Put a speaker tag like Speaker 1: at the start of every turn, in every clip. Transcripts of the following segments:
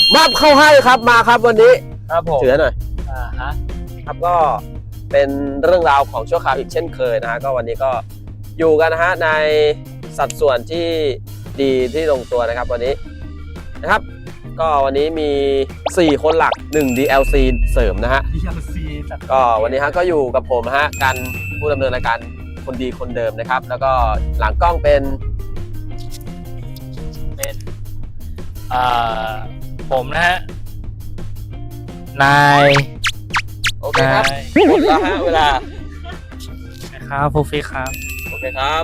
Speaker 1: มอบเข้าให้ครับมาครับวันนี้
Speaker 2: ครับผม
Speaker 1: ถือหน่อย
Speaker 2: ฮะ
Speaker 1: ครับก็เป็นเรื่องราวของชั่วคราวอีกเช่นเคยนะฮะก็วันนี้ก็อยู่กันนะฮะในสัดส่วนที่ดีที่ลงตัวนะครับวันนี้นะครับก็วันนี้มี4คนหลัก1 DLC เสริมนะฮะ
Speaker 2: DLC
Speaker 1: ก็วันนี้ฮะก็อยู่กับผมฮะกันผู้ดำเนินรายการคนดีคนเดิมนะครับแล้วก็หลังกล้องเป็น
Speaker 2: ผมนะฮะนาย
Speaker 1: โอเคครับหมดแล้วฮะเวลา
Speaker 2: ครับฟูฟิครับ
Speaker 1: โอเคครับ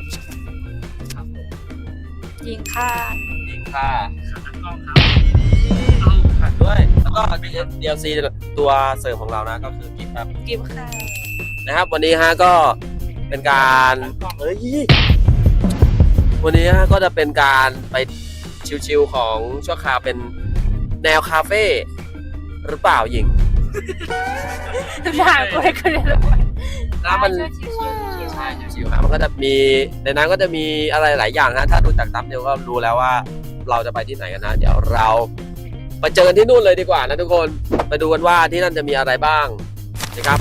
Speaker 3: ยิงค่ะ
Speaker 1: ยิงค่ะ
Speaker 2: กล้องครับ
Speaker 1: เอาขัดด้วยแล้วก็ DLC ตัวเสริมของเรานะก็คือกิฟต์ครับ
Speaker 3: กิฟค่ะ
Speaker 1: นะครับวันนี้ฮะก็เป็นการเฮ้ยวันนี้ฮะก็จะเป็นการไปชิลๆของชั่วคราวเป็นแนวคาเฟ่หรือเปล่าหญิง
Speaker 3: ถามกูเลยก็เลยรู้
Speaker 1: แล้วมันใช่ชิวๆครับมันก็จะมีในนั้นก็จะมีอะไรหลายอย่างนะถ้าดูจากตับเดียวก็รู้แล้วว่าเราจะไปที่ไหนกันนะเดี๋ยวเราไปเจอกันที่นู่นเลยดีกว่านะทุกคนไปดูกันว่าที่นั่นจะมีอะไรบ้างนะครับ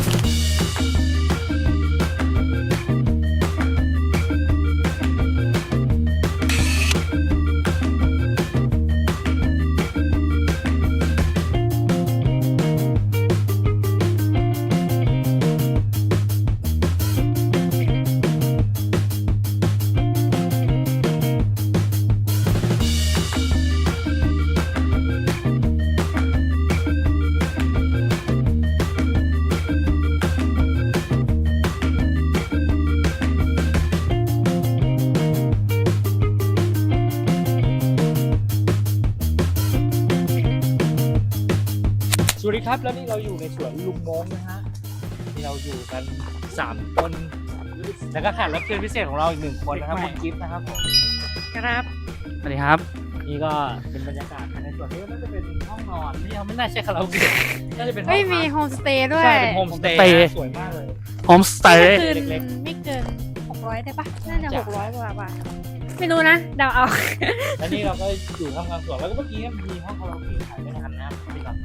Speaker 2: สวัสดีครับแล้วนี่เราอยู่ในสวนลุงมงนะฮะที่เราอยู่กัน3คนแล้วก็แขกรับเชิญพิเศษของเราอีก1คนนะครับคุณกิฟต์นะครับผม
Speaker 3: ครับ
Speaker 2: สวัสดีครับนี่ก็เป็นบรรยากาศภายในสวนนี้น่าจะเป็นห้องนอนไม่น่าใช่คาราโอเกะน่าจะเป็นห้อง
Speaker 3: ไม่
Speaker 2: พั
Speaker 3: มี
Speaker 2: ก
Speaker 3: โฮมสเตย์ด้วย
Speaker 2: ใช่เป็นโฮมสเตย์สวยมากเลย
Speaker 4: โฮมสเตย์
Speaker 3: คืน
Speaker 2: เล็ก
Speaker 3: ไม่เกิน600ได้ปะน่าจะ600กว่าบาทไม่รู้นะเดาเอา
Speaker 2: แล้วนี่เราก็อยู่ทำงานสวนแล้วก็เมื่อกี้มีห้องคาราโอเกะขายไม่ทันนะพี่ครับ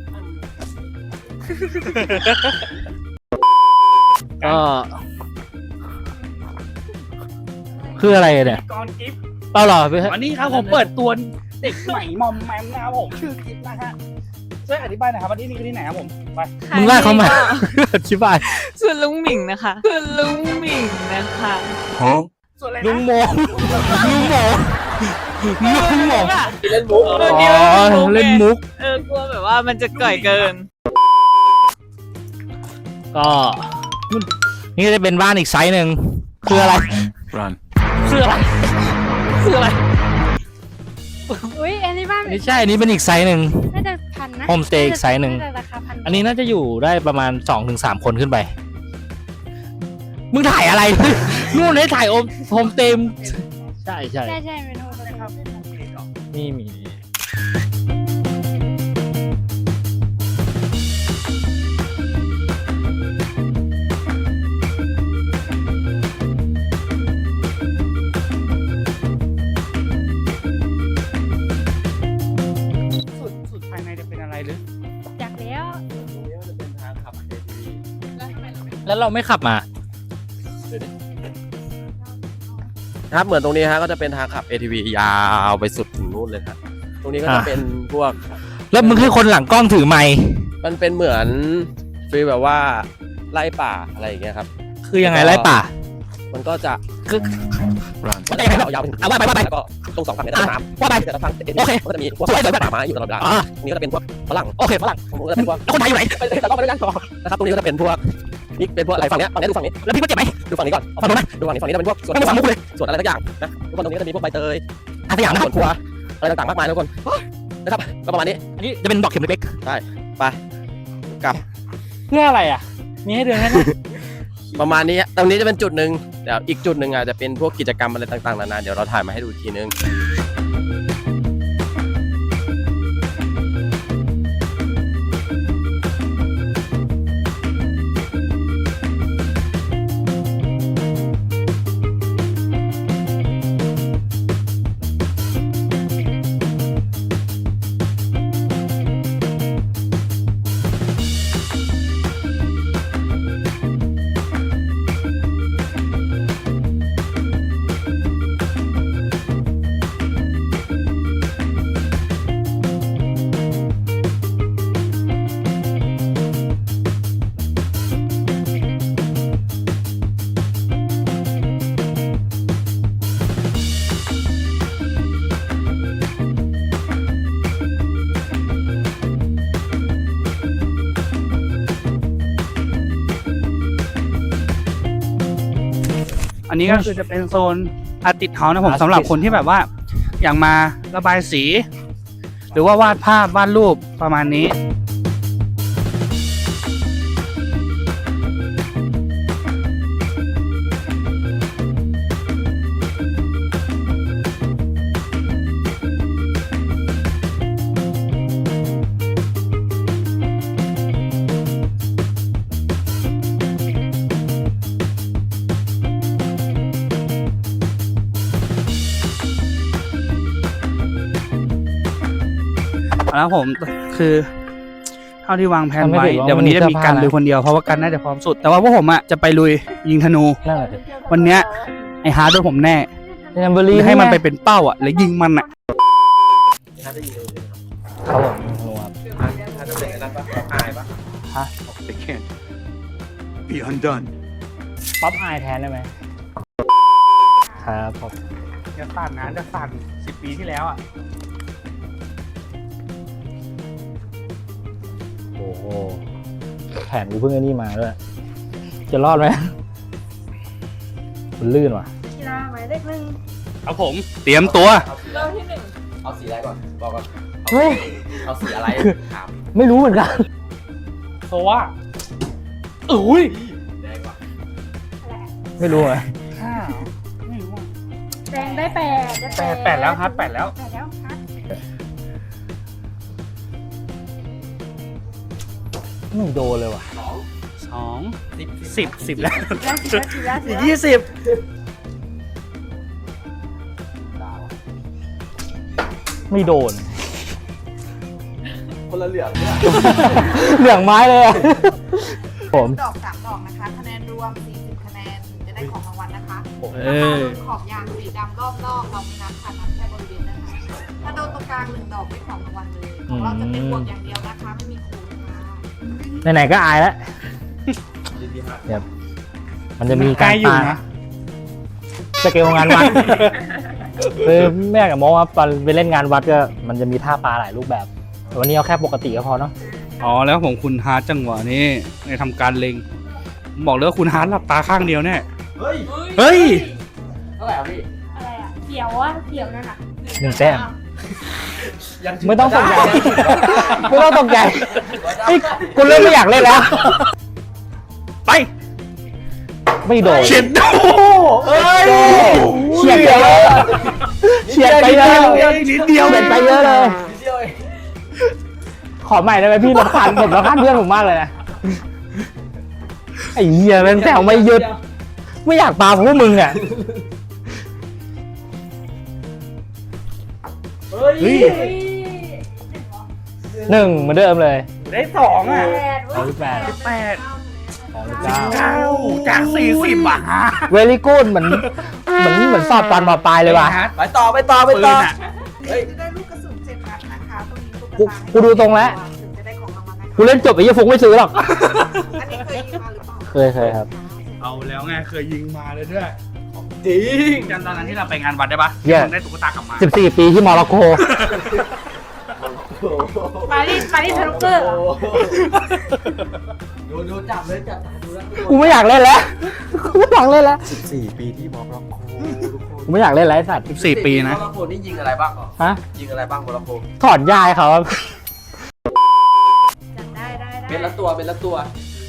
Speaker 2: ก็คืออะไรเนี่ยกอนกิฟต์
Speaker 4: เปล่าหรอ
Speaker 2: วันนี้ครับผมเปิดตัวเด็กใหม่มอมแมมนะครับผมชื่อกิฟต์นะฮะช่วยอธิบายหน่อยครับว่าที่นี่คือที่ไหนครับผมไป
Speaker 4: มึงไล่เขามาอธิบาย
Speaker 3: ส่วนลุงหมิงนะคะส่วนลุงหมิงนะคะ
Speaker 2: ส่วนอะไร
Speaker 4: ลุง
Speaker 2: นะ
Speaker 4: โมลุงโมลุงโม
Speaker 1: เล่นมุก
Speaker 4: อ๋อเล่นมุก
Speaker 3: กลัวแบบว่ามันจะก่อยเกิน
Speaker 4: ก็นี่ก็จะเป็นบ้านอีกไซส์หนึ่งคืออะไร
Speaker 5: Run.
Speaker 4: คืออะไรคืออะไร
Speaker 3: อุ้ยอันนี้บ้าน
Speaker 4: ไม่ใช่อันนี้เป็นอีกไซส์หนึ่ง
Speaker 3: น่าจะพันนะ
Speaker 4: โฮมสเตย์อีกไซส์หนึ่ง
Speaker 3: าจะราคาพัน
Speaker 4: อันนี้น่าจะอยู่ได้ประมาณ 2-3 คนขึ้นไป มึงถ่ายอะไร นู่นให้ถ่ายโฮมสเตย์ใช่ใช่
Speaker 3: ใช่ใช่เป็นโฮมสเตย์
Speaker 4: นี่มี
Speaker 2: สุดภายในจะเป็นอะไรหรือ
Speaker 3: อยากแล้ว
Speaker 4: แล้วเราไม่ขับมา
Speaker 1: ครับเหมือนตรงนี้ฮะก็จะเป็นทางขับ ATV ยาวไปสุดถึงนู่นเลยครับตรงนี้ก็จะเป็นพวก
Speaker 4: แล้วมึงให้คนหลังกล้องถือไมค์
Speaker 1: มันเป็นเหมือนฟีลแบบว่าไล่ป่าอะไรอย่างเงี้ยครับ
Speaker 4: คือยังไงไล่ป่า
Speaker 1: มันก็จะ
Speaker 5: Run.
Speaker 1: มันจะยาวๆไปถึง
Speaker 4: ว่าไป
Speaker 1: แล้วก็ตรง2ฝั่งเนี่ยจะเป็นน้ำ
Speaker 4: ว่าไป
Speaker 1: แต่ละฝั่ง
Speaker 4: โอเค
Speaker 1: ก็จะมีพวกป่าไม้อยู่ตลอดเวลา
Speaker 4: อ่า
Speaker 1: ตรงนี้ก็จะเป็นพวกฝรั่ง
Speaker 4: โอเคฝรั่ง
Speaker 1: ตรงนู้นก็จะเป็นพวก
Speaker 4: แล้วคนไทยอยู่ไหน
Speaker 1: แต่ก็ไม่ได้ยังนะครับตรงนี้ก็จะเป็นพวกนี่เป็นพวกอะไรฝั่งเนี้ยดูฝั่งนี้
Speaker 4: แล้วพี่ก็เจ็บไหม
Speaker 1: ดูฝั่งนี้ก่อน
Speaker 4: ฝั่งนู้นนะ
Speaker 1: ดูฝั่งนี้จะเป็นพวกสวน
Speaker 4: ไม่มาฝั่งมุกเลย
Speaker 1: สวนอะไรสักอย่างนะทุกคนตรงนี้ก็จะมีพวกใบเตย
Speaker 4: อาสยามนะ
Speaker 1: สวนครัวอะไรต่างๆมากมายทุกคนนะครับก็ประมาณนี้
Speaker 4: อันนี้จะเป็นดอกเข็มเล็ก
Speaker 1: ไปกลับ
Speaker 2: เพื่ออะไรอ่ะมีให้เดินแค่นั้น
Speaker 1: ประมาณนี้ตรงนี้จะเป็นจุดหนึ่งเดี๋ยวอีกจุดหนึ่งอาจจะเป็นพวกกิจกรรมอะไรต่างๆนานาเดี๋ยวเราถ่ายมาให้ดูอีกทีนึง
Speaker 5: นี้ก็คือจะเป็นโซนอาร์ติสต์เฮาส์นะผมสำหรับคนที่แบบว่าอยากมาระบายสี หรือว่าวาดภาพวาดรูปประมาณนี้แล้วผมคือเท่าที่วางแผนไว้เดี๋ยววันนี้จะมีกันลุยคนเดียวเพราะว่ากันน่าจะพร้อมสุดแต่ว่าพวกผมอ่ะจะไปลุยยิงธนู
Speaker 4: นั่นแหละ
Speaker 5: วันเนี้ยไอ้ฮาร์ดด้วยผมแน่
Speaker 4: แลมโบลี
Speaker 5: ให้มันไปเป็นเป้าอ่ะแล้วยิงมันอ่ะ
Speaker 1: ถ้าได้ยินเลย
Speaker 4: ครับผมนัว
Speaker 1: ถ้าจะเป็นนั้นปะอายปะ
Speaker 6: They can't be undone.
Speaker 4: ป๊อปอายแทนได้ไหมครับผม
Speaker 5: จะสั่นนะจะสั่น10 ปีที่แล้วอ่ะ
Speaker 4: โอ้โหแขนกูเพิ่งไอ้นี่มาด้วยจะรอดไหมมันลื่นว่ะ
Speaker 3: กีฬาหมายเลขหนึ่ง
Speaker 5: ครับผมเตรียมตัว
Speaker 3: เริ่มที่หนึ่ง
Speaker 1: เอาสีอะไรก่อนบอกก่อน
Speaker 4: เฮ้ย
Speaker 1: เอาสีอะไรถาม
Speaker 4: ไม่รู้เหมือนกัน
Speaker 5: โซว่าอุ้ย
Speaker 1: แดงก่อน
Speaker 4: ไม่รู้อ่ะ
Speaker 5: ห้าไม่รู้อ่ะ
Speaker 3: แดงได้8ได้
Speaker 5: แปดแล้วครับ8แล้ว
Speaker 3: 8แล้วครับ
Speaker 4: ไม่โดนเลยว่ะ
Speaker 5: 2 10แล้ว
Speaker 3: แล้ว10แล้ว
Speaker 5: อีก
Speaker 4: ไม่โดน
Speaker 1: คนละเหลืองเนี่ย
Speaker 4: เหลืองไม้เลยอ่ะผม
Speaker 7: ดอก3 ดอกนะคะ คะแนนรวม 40 คะแนนถึงจะได้ของรางวัลนะคะ
Speaker 5: เออ
Speaker 7: ขอบยางสีดำรอบนอกเราไม่นับค่ะนับแค่บริเวณนะคะถ้าโดนตรงกลาง1 ดอกได้ของรางวัลเลยของเราจะเป็นบวกอย่างเดียวนะคะไม่มีคูณค่ะ
Speaker 4: ไหนๆก็อายแล้วเดี๋ยวมันจะมี
Speaker 5: ใก
Speaker 4: กา
Speaker 5: ล้
Speaker 4: ร
Speaker 5: อยู่
Speaker 4: ปา
Speaker 5: นะ
Speaker 4: สเกลงานวัดคือแม่กับโมว่าตอนไปเล่นงานวัดก็มันจะมีท่าปลาหลายรูปแบบแต่วันนี้เอาแค่ปกติก็พอเนาะ
Speaker 5: อ๋อแล้วผมคุณฮาร์ดจังหวะนี้ในทำการเล็งผมบอกเลยว่าคุณฮาร์ดหลับตาข้างเดียวแน่
Speaker 1: เฮ้ย
Speaker 5: เฮ้ย
Speaker 1: เท่าไหร่อ่ะพี่
Speaker 3: อะไรอ่ะเขียวอ่ะเขียวนั่นอ่ะ
Speaker 4: 1 แต้ม
Speaker 1: ยัง
Speaker 4: ไม่ต้องตกใจไม่ต้องตกใจเฮ้ยกูเริ่มไม่อยากเล่นแล้ว
Speaker 5: ไป
Speaker 4: ไม่โดน
Speaker 5: เช็ดโดเอ้ย
Speaker 4: เฉียดไปเยอะเฉียดไปเยอะ
Speaker 5: นิดเดียว
Speaker 4: เฉียดไปเยอะเลย
Speaker 1: นิดเดียวเอง
Speaker 4: ขอใหม่ได้ไหมพี่รำคาญผมรำคาญเพื่อนผมมากเลยนะไอ้เหี้ยแม่งแซวไม่หยุดไม่อยากปาพวกมึงอ่ะ
Speaker 1: เฮ้ย
Speaker 5: เฮ้ย
Speaker 4: 1เหมือนเดิมเลย
Speaker 5: ได้2อ่ะ
Speaker 4: 38
Speaker 5: 8
Speaker 4: 39
Speaker 5: 9จาก40อ่ะ
Speaker 4: เวลี่กูดเหมือนสอบตอนมปลายเลยว่ะ
Speaker 1: ไปต่อ
Speaker 5: ปืนอ่ะ
Speaker 1: เฮ้ย
Speaker 7: จะได้ลูกกระสุน7 นัดนะคะตรงนี้ลูกกระ
Speaker 4: กูดูตรงแล้ว
Speaker 7: ถึงจะได้ของรางวัลนะคะ
Speaker 4: กูเล่นจบไอ้ยี่ฟุกไม่ซื้อหรอก
Speaker 7: อันนี้เคยยิงมาหรือเปล่า
Speaker 4: เคยครับ
Speaker 5: เอาแล้วไงเคยยิงมาเลยด้วย
Speaker 1: จริง
Speaker 5: จำตอนนั้นที่เราไปงานวัดได้ปะ
Speaker 4: เหี้ย
Speaker 5: ผมได้ตุ๊กตากลับมา
Speaker 4: 14 ปีที่มอร็อกโก
Speaker 3: ปารีสทารุเกอร์
Speaker 1: ดูจับเลยจับตาดูแล้ว
Speaker 4: กูไม่อยากเล่นแล้วกูไม่อยากเล่นแล้ว
Speaker 1: 14 ปีที่มอร็อกโกทุกคน
Speaker 4: กูไม่อยากเล่นแล้วไอ้สัตว์
Speaker 5: 14 ปีนะ
Speaker 1: มอร็อกโกนี่ยิงอะไรบ้าง
Speaker 4: ฮะ
Speaker 1: ยิงอะไรบ้างมอร็อกโก
Speaker 4: ถอนยายเขาครับ
Speaker 3: จัดได้
Speaker 1: เป็นละตัวเป็นละตัว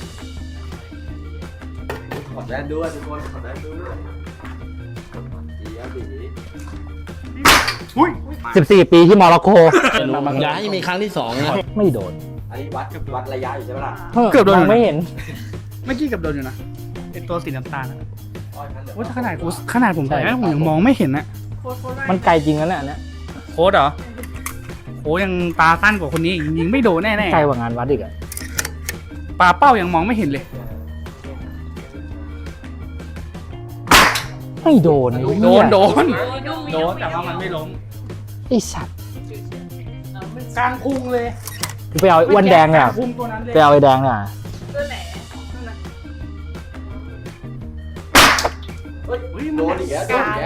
Speaker 1: ขอแดนด้วยทุกคนขอแดนด้วยดีอ่ะดี
Speaker 5: อุ้ย
Speaker 4: 14 ปีที่มอร็อกโก
Speaker 6: อย่าให้มีครั้งที่2นะ
Speaker 4: ไม่โดน
Speaker 1: อันนี้วัดระยะอยู่ใช่ไหมล่ะ
Speaker 5: เกือบโดน
Speaker 4: มงไม่เห็น
Speaker 5: เมื่อกี้เกับโดนอยู่นะเป็นตัวสีน้ำตาลอะ
Speaker 1: อ้อยนั่นเหลือ
Speaker 5: โอ้ยถ้าขนาดผมใส่แล้วผมยังมองไม่เห็นนะ
Speaker 3: โค้ด
Speaker 4: มันไกลจริงนะเนี่ยอันเนี้ย
Speaker 5: โค้ดเหรอโค้ดยังตาสั้นกว่าคนนี้อีกยิงไม่โดนแน่
Speaker 4: ไกลกว่างานวัดอีกอะ
Speaker 5: ๆปลาเป้ายังมองไม่เห็นเลย
Speaker 4: ไม่โดนไอ้
Speaker 5: โด
Speaker 4: เหี้ย
Speaker 5: นแต่ว่ามันไม่ล้ม
Speaker 4: ไอ้สัตว์
Speaker 5: กลางพุงเลย
Speaker 4: กูไปเอาไอ้อ้วนแดงเนี่ย
Speaker 5: กลาพุงตัวนั้นเลย
Speaker 4: ไปเอาไอ้แดงเนี่ย
Speaker 3: ตัวไหน
Speaker 5: อุ้ย
Speaker 1: โดนอีกแล้วโดนอีกแล้ว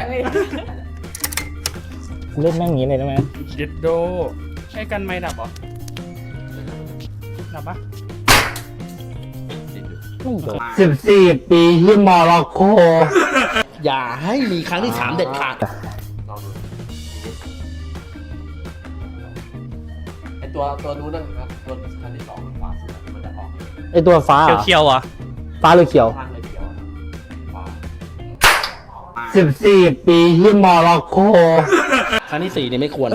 Speaker 4: กูเล่นแม่งอย่างนี้เลยได้ไหม
Speaker 5: เด็ดโดใช้กันไม่ดับเหรอดับปะ
Speaker 4: ไม่โดน14 ปีที่มอร็อกโก
Speaker 6: อย่าให้มีครั้งที่ 3 เด็ดขาด
Speaker 1: ลองดูไอตัวนู้นนะครับตัวคันที่2ขวาสุดมันจะออก
Speaker 4: ไอตัวฟ้า
Speaker 5: เขียวๆเหรอ
Speaker 4: ฟ้าหรือเขียว
Speaker 1: ข้างเลยเขียวขวา
Speaker 4: 14 ปีที่มอร็อกโก
Speaker 6: ครั้งที่ 4เนี่ยไม่ควร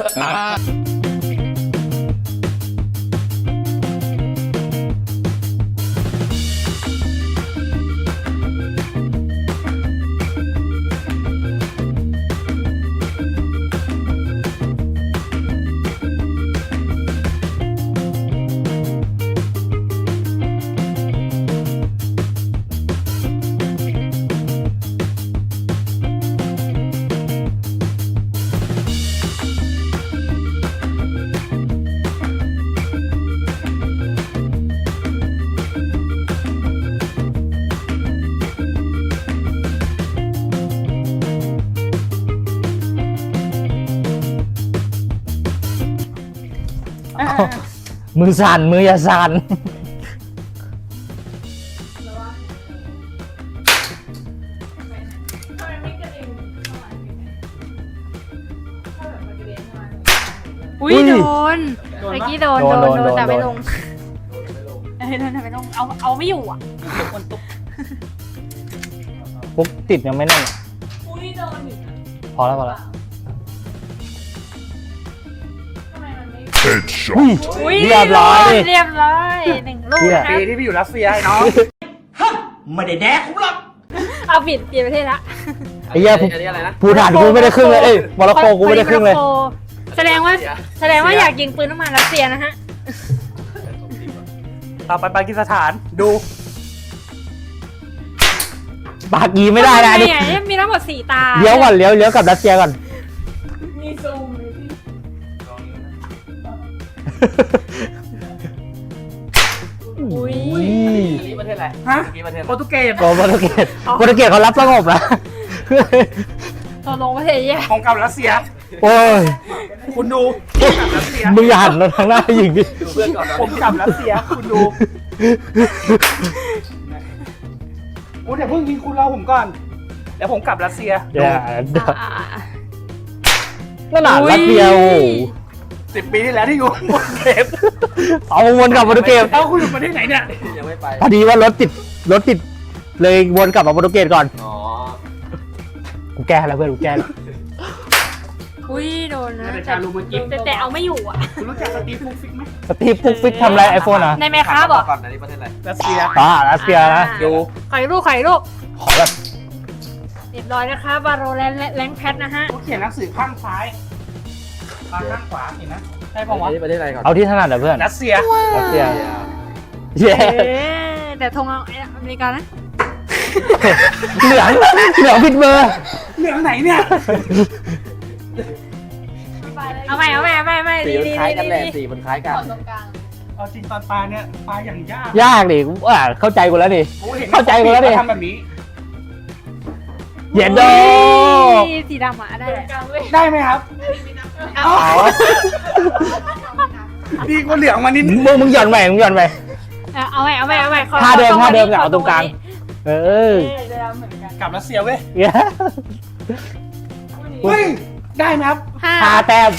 Speaker 4: มือสั่นมืออย่าสั่น
Speaker 3: อุ้ยโดนเมื่อกี้โดน
Speaker 4: โดน
Speaker 3: แต่ไม่
Speaker 4: โด
Speaker 3: ล
Speaker 4: น
Speaker 3: งโดนแต่ไม่ลงเอาไม่อยู่อ่ะ
Speaker 4: ปุ๊บติดยังไม่แน่นอะ
Speaker 3: อุ้ยโดนอยู่
Speaker 4: พอแล้วพอแล้ว
Speaker 3: อุ้ย
Speaker 4: เรียบร้อย
Speaker 3: เรียบร้อย1 ลูกนะค
Speaker 5: ปี
Speaker 3: รับ
Speaker 5: ที่ไปอยู่รัสเซียไอ้น้อง
Speaker 3: เอาเปลี่ยนประเทศละ
Speaker 4: ไอ้เหี้ย
Speaker 1: อันนี้อะไรนะ
Speaker 4: ภูฐานกูไม่ได้ครึ่งเลยเอ้ยมอร็อกโกกูไม่ได้ครึ่งเลย
Speaker 3: โมร็อกโกแสดงว่าอยากยิงปืนน้ำมันรัสเซียนะฮะ
Speaker 5: ต่อไปปากีสถานดู
Speaker 4: ปากีไม่ได้นะ
Speaker 3: ทำ
Speaker 4: นี่
Speaker 3: ไงมีทั้งหมด4 ตา
Speaker 4: เลี้ยวก่อนเลี้ยวกลับรัสเซียก่อน
Speaker 3: มีซูมเลยพี่อุ้ย
Speaker 1: อันนี้ประเทศอะไร
Speaker 5: ฮะ
Speaker 1: เมื่อกี้ประเทศอะไร
Speaker 5: โปรตุเกส
Speaker 4: โปรตุเกสเขารับสงบนะ
Speaker 3: ตัวลงประเทศแย่
Speaker 5: ของเก่ารัสเซีย
Speaker 4: โอ้ย
Speaker 5: คุณดูผมกลับรัสเซีย
Speaker 4: มึงอย่าหันเราทางหน้ายิงดิ
Speaker 1: ดูเพื่อนก่อนนะ
Speaker 5: ผมกลับรัสเซีย คุณดูคุณอย่าเพิ่งยิงคุณรอผมก่อนเดี๋ยวผมกลับรัสเซีย
Speaker 4: อย่า
Speaker 3: อ่า
Speaker 4: นั่นน่ะรัสเซียโอ้โห
Speaker 5: 10 ปีที่แล้วที่อยู่บนเทป
Speaker 4: เอาวนกลับโปรตุเกส
Speaker 5: เอ้าคุณอยู่ประเทศไหนเนี่ย
Speaker 1: ยังไม่ไป
Speaker 4: พอดีว่ารถติดเลยวนกลับมาโปรตุเกสก่อน
Speaker 1: อ๋อ
Speaker 4: กูแก้แล้วเพื่อนกูแก้แล้ว
Speaker 3: อุ้ยโดนนะ
Speaker 5: แต่ชาลูมากิน
Speaker 3: แต่เอาไม่อยู่อ่ะ
Speaker 5: คุณรู้จักสตีฟฟุกฟิกไหม
Speaker 4: สตีฟปุ๊กฟิกทำอะไรไอโฟนอ่ะ
Speaker 3: ในแมคครับบอก
Speaker 1: ก่อนอันนี้ประเทศอะไร
Speaker 5: รัสเซีย
Speaker 4: รัสเซียนะ
Speaker 3: ดูไข่ลูก
Speaker 4: ขอแบบ
Speaker 3: เรียบร้อยนะคะบาโรแลนแพทนะฮะ
Speaker 5: เขาเขียนหนังสือข้างซ้ายข้างขวาเห็นนะใช่
Speaker 1: อั
Speaker 5: ป่าวะ
Speaker 1: นนี้ประเทศอะไรก่อน
Speaker 4: เอาที่ถนัดอะเพื่อน
Speaker 5: รัสเซีย
Speaker 4: รัสเซียเย้
Speaker 3: แต่ธงอเมริกานะ
Speaker 4: เหลืองผิดเบอร์
Speaker 5: เหลืองไหนเนี่ย
Speaker 3: เอาใหม่
Speaker 1: สีมันคล้ายกันแหละสีมันคล้ายกัน
Speaker 7: ตรงกลาง
Speaker 5: เอาจริงตอนปลาเนี่ยปลาอย่างยาก
Speaker 4: ยากดิกูเข้าใจกูแล้วดิ
Speaker 5: กูเห็น
Speaker 4: เข้าใจกูแล้วดิ
Speaker 5: ทำแบบนี้
Speaker 4: เย็นโด
Speaker 3: สีดำอ่ะได้แหละ
Speaker 5: ได้ไหมครับ
Speaker 3: เอา
Speaker 5: ดีกว่าเหลืองมานิดนึง
Speaker 4: มึงหย่อนใหม่ไป
Speaker 3: เอาใหม่
Speaker 4: ท่าเดิมเนี่ยเอาตรงกลาง เออ
Speaker 5: กลับรัสเซียเว้ย
Speaker 4: เย้
Speaker 5: เฮ้ยได้ไหมครับ
Speaker 4: ห้าแต้ม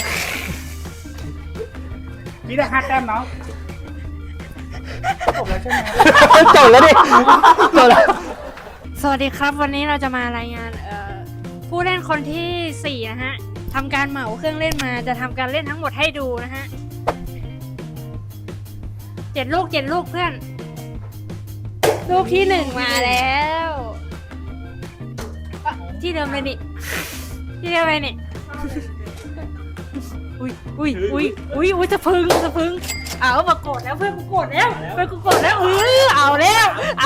Speaker 5: พี่ได้5 แต้มเนาะจบแล้วใช่ไหม
Speaker 4: จบแล้วดิจบแล้ว
Speaker 3: สวัสดีครับวันนี้เราจะมารายงานผู้เล่นคนที่ 4 นะฮะทำการเหมาเครื่องเล่นมาจะทำการเล่นทั้งหมดให้ดูนะฮะ7 ลูกเพื่อน ลูกที่ 1 มาแล้วที่เดิมเลยนี่อุ้ยจะพึ่งเอามากดแล้วเพื่อนกูกดแล้วเอาแล้ว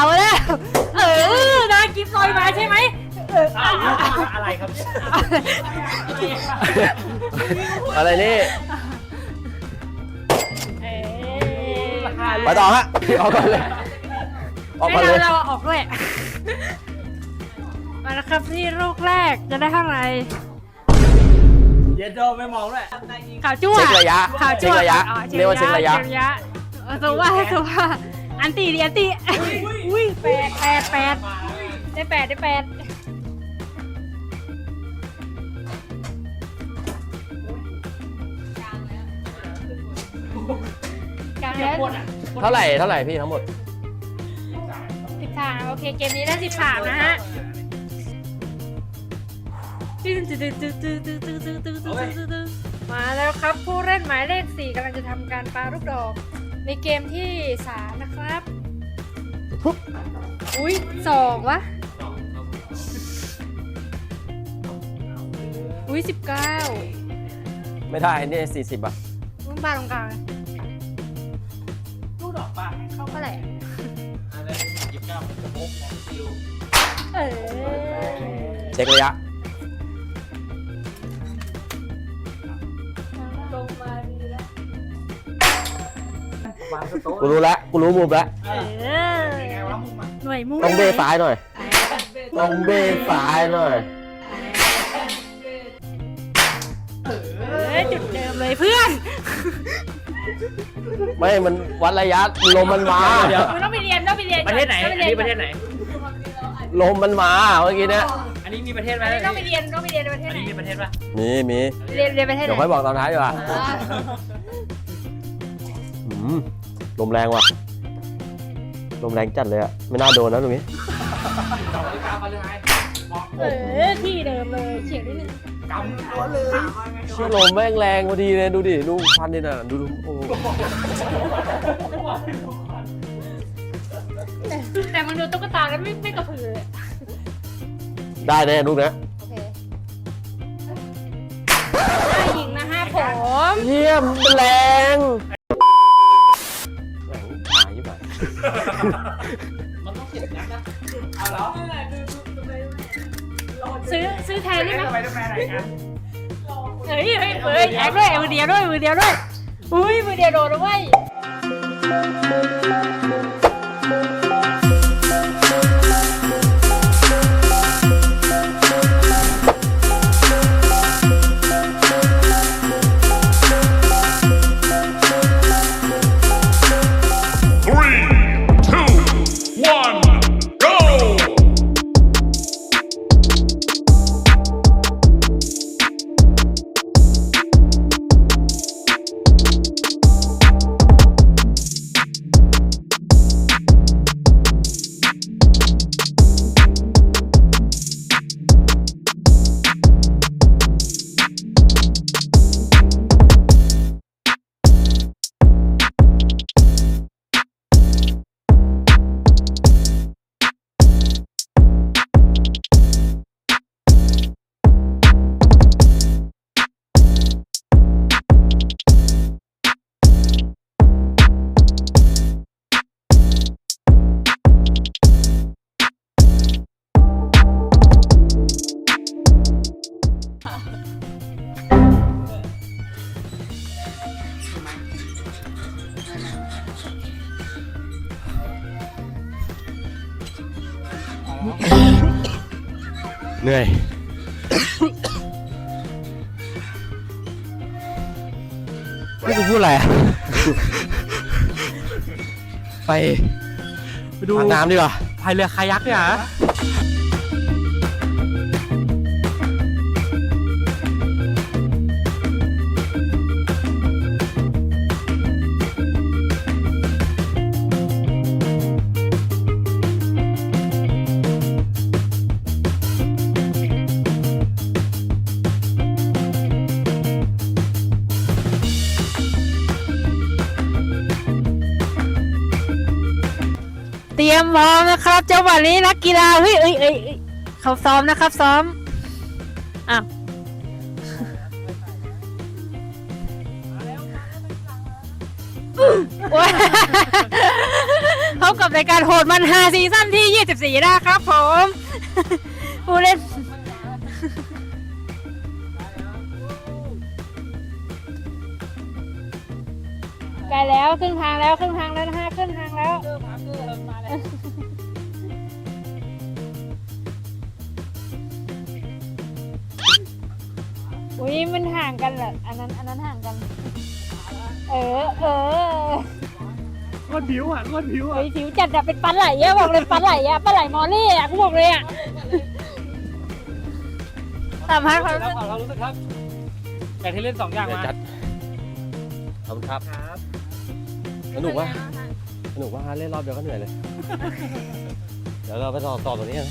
Speaker 3: นากิฟต์ลอยมาใช่ไหม
Speaker 5: อะไรครับเนี่ย
Speaker 1: อะไรนี่
Speaker 3: ไป
Speaker 1: ไปต่อฮะออกก่อนเลยออก
Speaker 3: ให้
Speaker 1: ก่อนเลย
Speaker 3: เราออกด้วยมาแล้วครับที่ลูกแรกจะได้เท่าไหร่
Speaker 5: เย็นโดไม่มองด้วย
Speaker 3: ข่าวจั่ว
Speaker 1: เช็คระยะ
Speaker 3: ข่าว
Speaker 1: เช็
Speaker 3: จั่
Speaker 1: คว ระยะ
Speaker 3: อ๋อ
Speaker 1: เรียกว่าเช็คระยะ
Speaker 3: ตัวว่าอันตีอุ้ย8ได้8 แล้ว
Speaker 1: เท่าไหร่พี่ทั้งหมด
Speaker 3: 13โอเคเกมนี้ได้13นะฮะมาแล้วครับผู้เล่นหมายเลข4กำลังจะทำการปาลูกดอกในเกมที่3นะครับอุ้ย2วะอุ้ย19
Speaker 1: ไม่ได้นี่40อ่ะ
Speaker 3: มึงปาตรงกลางเลย
Speaker 2: ลูกดอกปลาให้เข้า
Speaker 3: เท่าไหร่
Speaker 2: อะไร29จะพกของซิล
Speaker 3: เออ
Speaker 1: เช็คระยะ
Speaker 3: ลงมาดีแล้ว
Speaker 2: วางสโต๊ะ
Speaker 1: กูรู้แล้วกูรู้มุมแล้ว
Speaker 3: เออ
Speaker 2: เป็นไงวะมึงมา
Speaker 3: หน่วยมุ่ง
Speaker 1: ต้องเบ้ซ้ายหน่อยต้องเบ้ซ้ายหน่อย
Speaker 3: จุดเดิมเลยเพื่อน
Speaker 1: ไม่มันวัดระยะลมมันมา
Speaker 3: มึงต้องไปเรียนก่อ
Speaker 2: ประเทศไหน
Speaker 3: ต้
Speaker 2: อั
Speaker 3: ง
Speaker 2: น
Speaker 3: ป
Speaker 2: นี้
Speaker 3: ย
Speaker 2: ประเทศไหน
Speaker 1: ลมมันมาเมื่อกี้เนี่ย
Speaker 2: อันนี้มีประเทศไหม
Speaker 3: ต้องไปเรียนประเทศ
Speaker 2: อัน
Speaker 3: ไหน
Speaker 2: นี้มีประเทศปะ
Speaker 1: มี
Speaker 3: เรียนประเทศไหน
Speaker 1: เดี๋ยวค่อยบอกตอนท้ายดีกว่าลมแรงว่ะลมแรงจัดเลยอะไม่น่าโดนนะตรงนี้
Speaker 3: ที่เดิมเลยเฉียงนิดนึง
Speaker 1: ชื่อลมแม่งแรงพอดีเลยดูดิดูพันดิน่ะดูโอ้
Speaker 3: แต่มันดูตุ๊กตาแล้วไม่กระพือเลย
Speaker 1: ได้แน่ลูกนะ
Speaker 3: โอเคได้หญิงนะฮะผม
Speaker 1: เยี่ยมแรงแหงหายไป
Speaker 2: มันต้องเก็บนัดนะเอาเหรอ
Speaker 3: ซื้อแทนได้ไหม
Speaker 2: ไปด้วยแฟนไหนกัน
Speaker 3: เฮ้ยแอคด้วยมือเดียวด้วยอุ้ยมือเดียวโดนแล้วเว้ย
Speaker 1: เหนื่อยไม่กูพูดอะไรอะไปดูน้ำดีกว่าพายเรือคายักเนี่ยฮะ
Speaker 3: เตรียมพร้อมนะครับจังหวะนี้นักกีฬาเฮ้ยเขาซ้อมนะครับซ้อมอ้าว พบกับรายการโหดมันฮาซีซั่นที่ 24 นะครับผมผู้เล่นใกล้แล้วครึ่งทางแล้วนะฮะครึ่งทางแล้วอุ้ยมันห่างกันเหรออันนั้นห่างกันโคตรผิวอ่ะเฮ้ยผิวจัดอะเป็นปลาไหลอะบอกเลยปลาไหลมอลลี่อะกูบอกเลยอะสัมภาษณ์ความรู้สึก
Speaker 2: เรารู้สึกครับอยากให้เล่น2 อย่างมา
Speaker 1: จัดขอบคุณครับสนุกว่าสนุกว่าเล่นรอบเดียวก็เหนื่อยเลย เดี๋ยวเราไปต่อตรงนี้กันนะ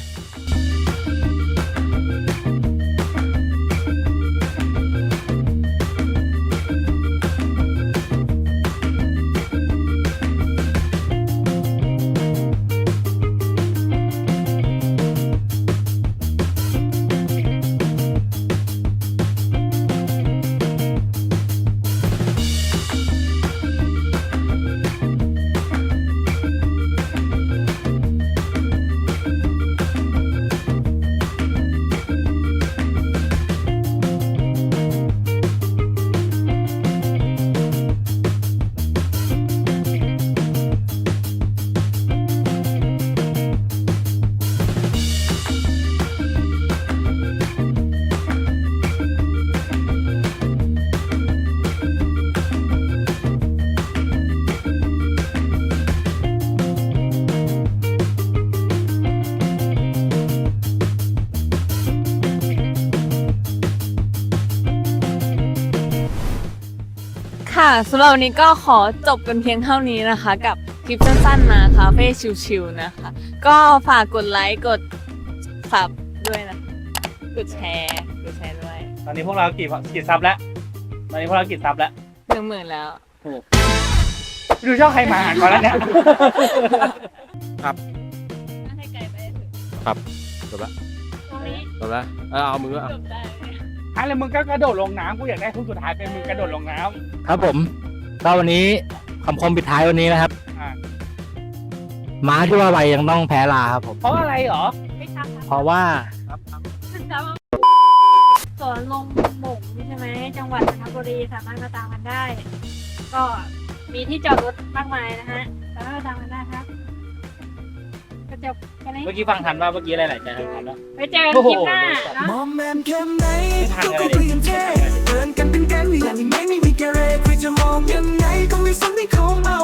Speaker 8: ค่ะสำหรับวันนี้ก็ขอจบกันเพียงเท่านี้นะคะ กับคลิปสั้นๆมาคาเฟ่ชิลๆนะคะ ก็ฝากกดไลค์กดซับด้วยนะกดแชร์ด้วย
Speaker 5: ตอนนี้พวกเรากี่ซับแล้ว ตอนนี้พวกเรากี่ซับแล้ว
Speaker 8: 10,000แล้ว
Speaker 5: ดูช่องใครมาก่อนแล้วเนี่ย
Speaker 8: ให้ไกลไปถึง
Speaker 1: จบละ
Speaker 3: ตรงนี้
Speaker 1: จบละเอามือเอา
Speaker 8: จบได้
Speaker 5: อะไรมึงก็กระโดดลงน้ำกูอยากได้ทุกสุดท้ายเป็นมึงกระโดดลงน้ำ
Speaker 4: ครับผมก็วันนี้คำคมปิดท้ายวันนี้นะครับ
Speaker 5: อ่า
Speaker 4: ม้าที่ว่าไวยังต้องแพ้ลาครับผม
Speaker 5: เพราะอะไรเหรอ
Speaker 3: ไม่ทำ
Speaker 4: เพราะว่า
Speaker 3: สวนลงหม่งใช่ไหมจังหวัดจันทบุรีสามารถมาตามกันได้ ก็มีที่จอดรถมากมายนะฮะสามารถมาตามกันได้ครับก็จบแค่นี้
Speaker 5: เมื่อกี้ฟังทันว่าเมื่อกี้อะไรหลายใจทันว่า
Speaker 3: ไปเจอกันคลิปหน้าเนาะ
Speaker 9: มองแมนแค่ไหน
Speaker 5: ไม่ทัน
Speaker 9: ก็
Speaker 5: เลย
Speaker 9: เปลี่ยนแค่เดินกันเป็นแก๊งอย่างนี้ไม่มีแกเรใครจะมองยังไงก็ไม่สนที่เขาเอา